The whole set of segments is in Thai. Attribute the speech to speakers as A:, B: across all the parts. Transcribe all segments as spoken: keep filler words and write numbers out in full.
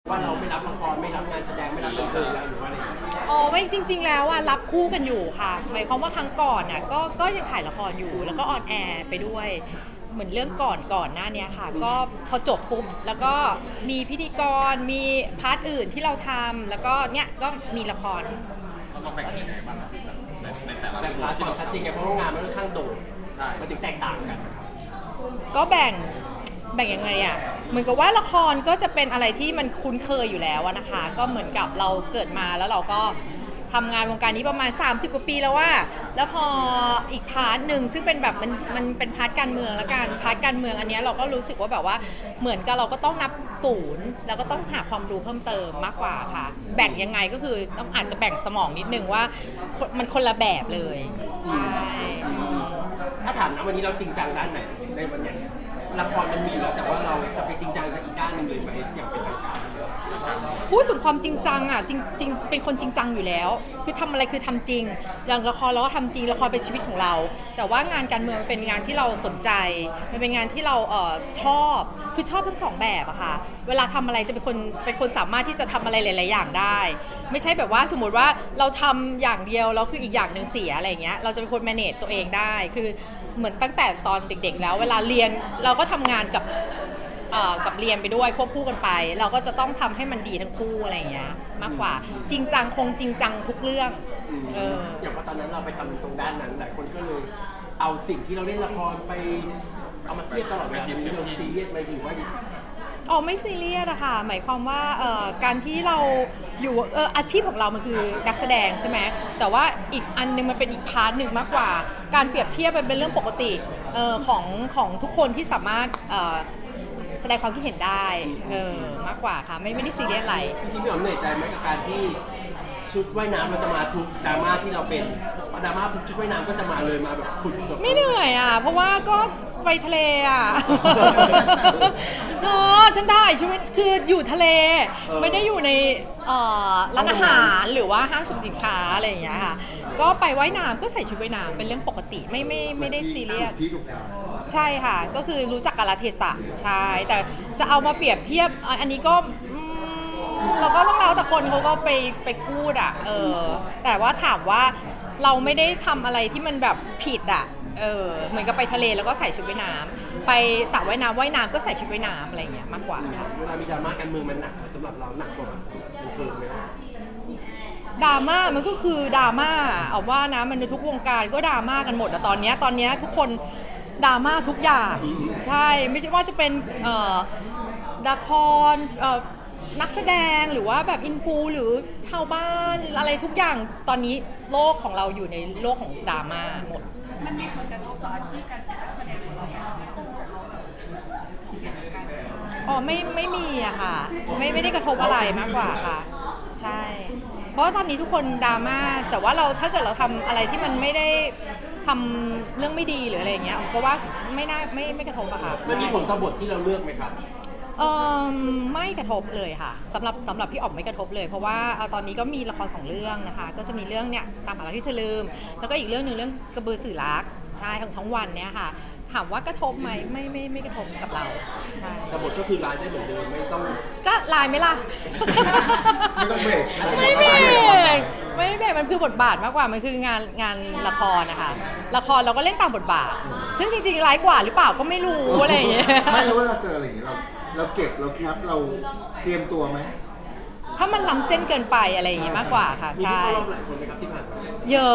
A: ว่าเราไม่รับละครไม่รับงานแสดงไม่รับบันเทิงแล้วหรือว่าอะไร
B: อ๋อไม่จริงๆแล้วอะรับคู่กันอยู่ค่ะหมายความว่าครั้งก่อนน่ะก็ก็ยังถ่ายละครอยู่แล้วก็ออนแอร์ไปด้วยเหมือนเรื่องก่อนก่อนหน้านี้ค่ะก็พอจบปุ๊บแล้วก็มีพิธีกรมีพาร์ทอื่นที่เราทำแล้วก็เนี่ยก็มีละคร
C: เราแบ่งยังไงบ้างในในแต่ละ
A: แต่พาร์ทความชัดเจนไงเพราะว่างานมันค่อนข้างโด่ง
C: ใช่
A: มันถึงแตกต่างกันนะครับ
B: ก็แบ่งแบ่งยังไงอ่ะเหมือนกับว่าละครก็จะเป็นอะไรที่มันคุ้นเคยอยู่แล้วนะคะ ก็เหมือนกับเราเกิดมาแล้วเราก็ทำงานวงการนี้ประมาณสามสิบกว่าปีแล้วว่าแล้วพออีกพาร์ทหนึ่งซึ่งเป็นแบบมันมันเป็นพาร์ทการเมืองแล้วกันพาร์ทการเมืองอันนี้เราก็รู้สึกว่าแบบว่าเหมือนกับเราก็ต้องนับศูนย์แล้วก็ต้องหาความรู้เพิ่มเติมมากกว่าค่ะแบ่งยังไงก็คือต้องอาจจะแบ่งสมองนิดนึงว่ามันคนละแบบเลยใช่
A: ถ้าถามนะวันนี้เราจริงจังด้านไหนในวันเนี้ยละครมันมีแล้วแต่ว่าเราจะไปจริงจังกับอีกด้านหนึ่งเลยไหมอย่างเป็นทางการ
B: พูดถึงความจริงจังอ่ะจริงจริงเป็นคนจริงจังอยู่แล้ว คือทำอะไรคือทำจริงอย่างละครเราก็ทำจริงละครเป็นชีวิตของเรา แต่ว่างานการเมืองมันเป็นงานที่เราสนใจมันเป็นงานที่เราเอ่อชอบคือชอบทั้งสองแบบอะค่ะเวลาทำอะไรจะเป็นคนเป็นคนสามารถที่จะทำอะไรหลายๆอย่างได้ ไม่ใช่แบบว่าสมมติว่าเราทำอย่างเดียวแล้วคืออีกอย่างหนึ่งเสียอะไรอย่างเงี้ยเราจะเป็นคน manage ตัวเองได้คือเหมือนตั้งแต่ตอนเด็กๆแล้วเวลาเรียนเราก็ทำงานกับเอ่อกับเรียนไปด้วยควบคู่กันไป เราก็จะต้องทำให้มันดีทั้งคู่อะไรอย่างเงี้ยมากกว่าจริงจังคงจริงจังทุกเรื่องเออ
A: อย่างว่าตอนนั้นเราไปทำตรงด้านนั้นหลายคนก็เลยเอาสิ่งที่เราเล่นละครไปเอามาเทียบตลอดเวลามีเราซีเรียสไหมหรือว่า
B: อ๋อไม่ซีเรียสอะค่ะหมายความว่าเอ่อการที่เราอยู่เอออาชีพของเรามันคือนักแสดงใช่ไหมแต่ว่าอีกอันนึงมันเป็นอีกพาร์ทหนึ่งมากกว่าการเปรียบเทียบมันเป็นเรื่องปกติเอ่อของของทุกคนที่สามารถเอ่อแสดงความคิดเห็นได้เออมากกว่าค่ะไม่ไม่ได้ซีเรียสอะไร
A: จริงๆพี่อ๋อมเหนื่อยใจไหมกับการที่ชุดว่ายน้ำมันจะมาทุกดราม่าที่เราเป็นพอดราม่าปุ๊บชุดว่ายน้ำก็จะมาเลยมาแบบขุดแบบ
B: ไม่เหนื่อยอ่ะเพราะว่าก็ไปทะเลอ่ะ เออฉันได้ใช่ไหมคืออยู่ทะเลไม่ได้อยู่ในเอ่อร้านอาหารหรือว่าห้างสรรพสินค้าอะไรอย่างเงี้ยค่ะก็ไปว่ายน้ำก็ใส่ชุดว่ายน้ำเป็นเรื่องปกติไม่ไม่ไม่ได้ซีเรียส
D: ที่ถูกทาง
B: ใช่ค่ะก็คือรู้จักกาลเทศะใช่แต่จะเอามาเปรียบเทียบอันนี้ก็อืมเราก็ต้องแล้วแต่คนเขาก็ไปไปพูดอ่ะเออแต่ว่าถามว่าเราไม่ได้ทำอะไรที่มันแบบผิดอ่ะเออเหมือนกับไปทะเลแล้วก็ใส่ชุดว่ายน้ำไปสระว่ายน้ำว่ายน้ำก็ใส่ชุดว่ายน้ำอะไรอย่างเงี้ยมากกว่าค่ะ
A: เวลามีดราม่าการเมืองมันหนักสำหรับเราหนักกว่าบันเทิงไหมครับ
B: ดราม่ามันก็คือดราม่าเอาว่านะมันในทุกวงการก็ดราม่ากันหมดอะตอนเนี้ยตอนเนี้ยทุกคนดราม่าทุกอย่างใช่ไม่ใช่ว่าจะเป็นเอ่อละครเอ่อนักแสดงหรือว่าแบบอินฟูหรือชาวบ้านอะไรทุกอย่างตอนนี้โลกของเราอยู่ในโลกของดราม่าหมด
E: มันมีผลกระทบต่ออาชีพการเป็นนักแสดงของเราอย่างที่ตัวเขาแบบเกี่ยวกับการ
B: อ๋อไม่ไม่มีอะค่ะไม่ไม่ได้กระทบอะไรมากกว่าค่ะใช่ เพราะว่าตอนนี้ทุกคนดราม่าแต่ว่าเราถ้าเกิดเราทำอะไรที่มันไม่ได้ทำเรื่องไม่ดีหรืออะไรอย่างเงี้ยผมก็ว่าไม่น่าไม่ไม่กระทบอะค่ะ
A: มันมี
B: ใช่
A: ผลต่อบทที่เราเลือกไหมครับ
B: เออไม่กระทบเลยค่ะสำหรับสำหรับพี่อ๋อมไม่กระทบเลยเพราะว่าเอาตอนนี้ก็มีละครสองเรื่องนะคะก็จะมีเรื่องเนี่ยตามหารักที่เธอลืมแล้วก็อีกเรื่องหนึ่งเรื่องกระบือสื่อรักใช่ของช่องวันเนี่ยค่ะถามว่ากระทบไหมไม่ไม่ไม่กระทบกับเราใช่
A: แต่บทก็คือรายได้เหมือนเดิมไม่ต้อง
B: ก็ไลน์ไหมล่ะ
D: ไม่ต้องเบรกใช่ไหม
B: ไม่เบรกไม่เบรกมันคือบทบาทมากกว่ามันคืองานงานละครนะคะละครเราก็เล่นตามบทบาท ซึ่งจริงๆร้ายกว่าหรือเปล่าก็ไม่รู้อะไรอย่างเงี้ย
D: ไม่รู้ว่าเราเจออะไรอย่างเงี้ยเราเราเก็บเราแคปเราเตรียมตัวไหม
B: ถ้ามันล้ำเส้นเกินไปอะไรอย่างเงี้ยมากกว่าค่ะ
A: มีผู้
B: ใช่
A: เข้ารอบหลายคนไหมครับที่ผ่านมา
B: เยอะ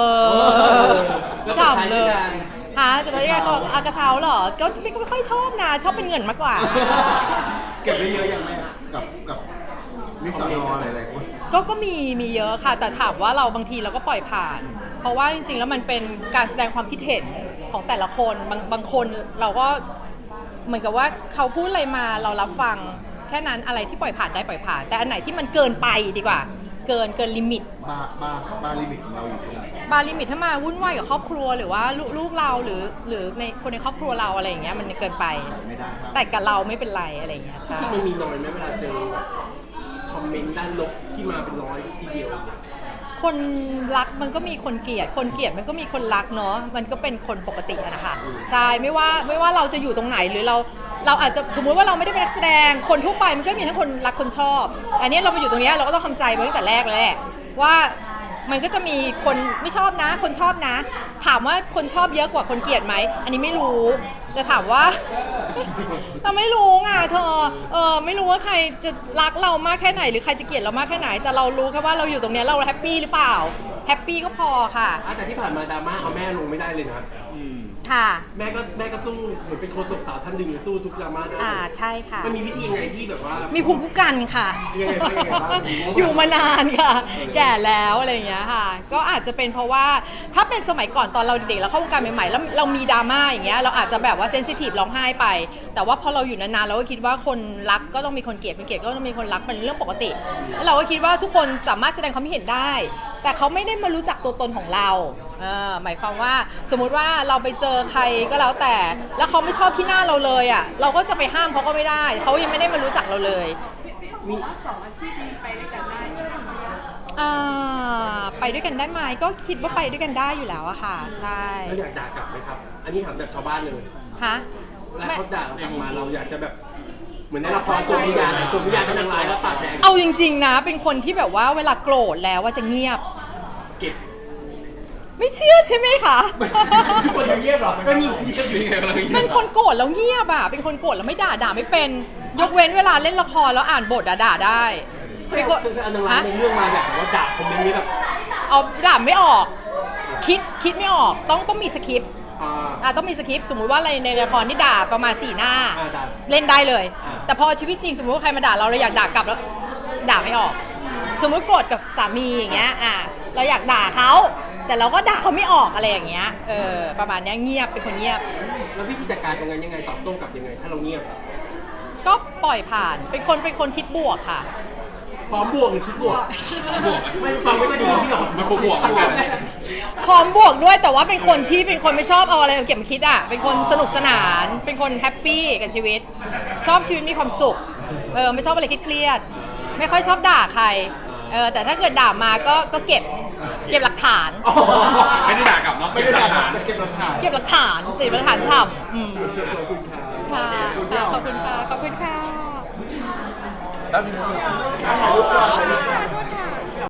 A: แล้ว
B: ฉ่ำเลย
A: สุดท้ายด้วยกัน
B: ฮะจะไปยังไงก็อากระเช้าเหรอก็ไม่ไม่ค่อยชอบนะชอบเป็นเงินมากกว่า
D: เก็บได้เยอะยังแม่กับกับนิสสานอหลายๆคน
B: ก็ก็มีมีเยอะค่ะแต่ถามว่าเราบางทีเราก็ปล่อยผ่าน เพราะว่าจริงๆแล้วมันเป็นการแสดงความคิดเห็นของแต่ละคนบางบางคนเราก็เหมือนกับว่าเขาพูดอะไรมาเรารับฟังแค่นั้นอะไรที่ปล่อยผ่านได้ปล่อยผ่าน แต่อันไหนที่มันเกินไปดีกว่า เกินเกินลิมิต
D: บาร์บาร์บาร์ลิมิตของเราอยู่ตรงไหน
B: บาร์ลิมิตถ้ามาวุ่นวายกับครอบครัวหรือว่าลูกลูกเราหรือหรือในคนในครอบครัวเราอะไรอย่างเงี้ยมันเกินไป
D: ไม่ได้ครับ
B: แต่กับเราไม่เป็นไรอะไรอย่างเงี้ยใช่
A: ที่มันมีน้อยไหมเวลาเจอคอมเมนต์ด้านลบที่มาเป็นร้อยทีเดียวเนี่ย
B: คนรักมันก็มีคนเกลียดคนเกลียดมันก็มีคนรักเนาะมันก็เป็นคนปกติอะนะคะใช่ไม่ว่าไม่ว่าเราจะอยู่ตรงไหนหรือเราเราอาจจะสมมุติว่าเราไม่ได้เป็นนักแสดงคนทั่วไปมันก็มีทั้งคนรักคนชอบอันนี้เรามาอยู่ตรงนี้เราก็ต้องทำใจไว้ตั้งแต่แรกเลยแหละว่ามันก็จะมีคนไม่ชอบนะคนชอบนะ ถามว่าคนชอบเยอะกว่าคนเกลียดไหมอันนี้ไม่รู้แต่ถามว่า เราไม่รู้ไงเธอเออไม่รู้ว่าใครจะรักเรามากแค่ไหนหรือใครจะเกลียดเรามากแค่ไหนแต่เรารู้แค่ว่าเราอยู่ตรงนี้เราแฮปปี้หรือเปล่าแฮปปี้ก็พอค่ะ
A: อ่ะแต่ที่ผ่านมาดราม่าเอาแม่ลงไม่ได้เลยนะ
C: อืม
B: ค่ะ
A: แม่ก็แม่ก็สู้เหมือนเป็นโฆษกสาวท่านหนึ่งเลยสู้ทุกดราม่าได้
B: อ่าใช่ค่ะ
A: มันมีวิธียังไงที่แบบว่า
B: มีภูมิคุ้มกันค่ะ
A: ยังไงบ้างยังไงบ้าง
B: อยู่มานานค่ะ แก่แล้วอะไรอย่างเงี้ยค่ะ ก็อาจจะเป็นเพราะว่าถ้าเป็นสมัยก่อนตอนเราเด็กๆเราเข้าวงการใหม่ๆแล้วเรามีดราม่าอย่างเงี้ยเราอาจจะแบบว่าเซนซิทีฟร้องไห้ไป แต่ว่าพอเราอยู่นานๆเราก็คิดว่าคนรักก็ต้องมีคนเกลียดคนเกลียดก็ต้องมีคนรักเป็นเรื่องปกติแล้วเราก็คิดว่าทุกคนสามารถแสดงความคิดเห็นได้ แต่เขาไม่ได้มารู้จักตัวตนของเราเออหมายความว่าสมมุติว่าเราไปเจอใครก็แล้วแต่ แล้วเขาไม่ชอบที่หน้าเราเลยอ่ะเราก็จะไปห้ามเขาก็ไม่ได้เขายังไม่ได้มารู้จักเราเลย
E: พี่เขาบอกว่าสองอาชีพนี้ไปด้วยกันได้ใช่ไหมคะ
B: อ่าไปด้วยกันได้ไหมก็คิดว่าไปด้วยกันได้อยู่แล้วอะค่ะใช่
A: เราอยากด่ากลับไหมครับ อันนี้ถามแบบชาวบ้านเลย
B: ฮะ
A: แล้วเขาด่าเรากลับมาเราอยากจะแบบเหมือนในละครสวมวิญญาณสวมวิญญาณเป็นนางร้ายแล้วปากแดง
B: เอาจริงๆนะเป็นคนที่แบบว่าเวลาโกรธแล้วว่าจะเงียบ
A: เก็บ
B: ไม่เชื่อใช่ไหมคะ
A: คนเงียบหรอก็มีเงียบอยู่ไงกำลังเงียบ
B: เป็นคนโกรธแล้วเงียบอะเป็นคนโกรธแล้วไม่ด่าด่าไม่เป็น ยกเว้นเวลาเล่นละครแล้วอ่านบทอะด่าได้
A: เคยเคยเอานางร้ายในเรื่องมาแบบว่าด่าคอมเมนต์นี้แบบ
B: เอาด่าไม่ออก คิดคิดไม่ออกต้องต้องมีสคริปต์
A: อ่า
B: อ่ะต้องมีสคริปต์สมมุติว่าอะไรในละครที่ด่าประมาณสี่หน้า
A: อ่าด่า
B: เล่นได้เลย
A: อ่า
B: แต่พอชีวิตจริงสมมติว่าใครมาด่าเราเราอยากด่ากลับแล้วด่าไม่ออก สมมุติโกรธกับสามีอย่างเงี้ยอ่ะเราอยากด่าเขาแต่เราก็ด่าเขาไม่ออกอะไรอย่างเงี้ยเออประมาณเนี้ยเงียบเป็นคนเงียบ
A: แล้ววิธีจัดการตรงนั้นยังไงตอบโต้กลับยังไง ถ้าเราเงียบ
B: ก็ปล่อยผ่านเป็นคนเป็นคนคิดบวกค่ะ
A: พร้อมบวกหรือคิดบวก
C: บวก
A: ไม่ฟังไม่ค่อยดีพี่หรอก
C: มันบวกเหมือนกัน
B: พร้อมบวกด้วยแต่ว่าเป็นคนที่เป็นคนไม่ชอบเอาอะไรมาเก็บมาคิดอ่ะเป็นคนสนุกสนาน เป็นคนแฮปปี้กับชีวิต ชอบชีวิตมีความสุขเออไม่ชอบอะไรเครียดๆไม่ค่อยชอบด่าใครเออแต่ถ้าเกิดด่ามาก็ก็เก็บเก็บหลักฐาน
C: ไม่ได้ด่ากลับเนาะ
D: ไม่ได้ด่าครับแต่เก็บหลักฐาน
B: เก็บหลักฐานติดหลักฐานฉ่ำอืม
A: ขอบคุณค่ะ
B: ค่ะค่ะขอบคุณค่ะขอบคุณค่ะ
C: แป๊บนึง
B: ขอบคุณค่ะ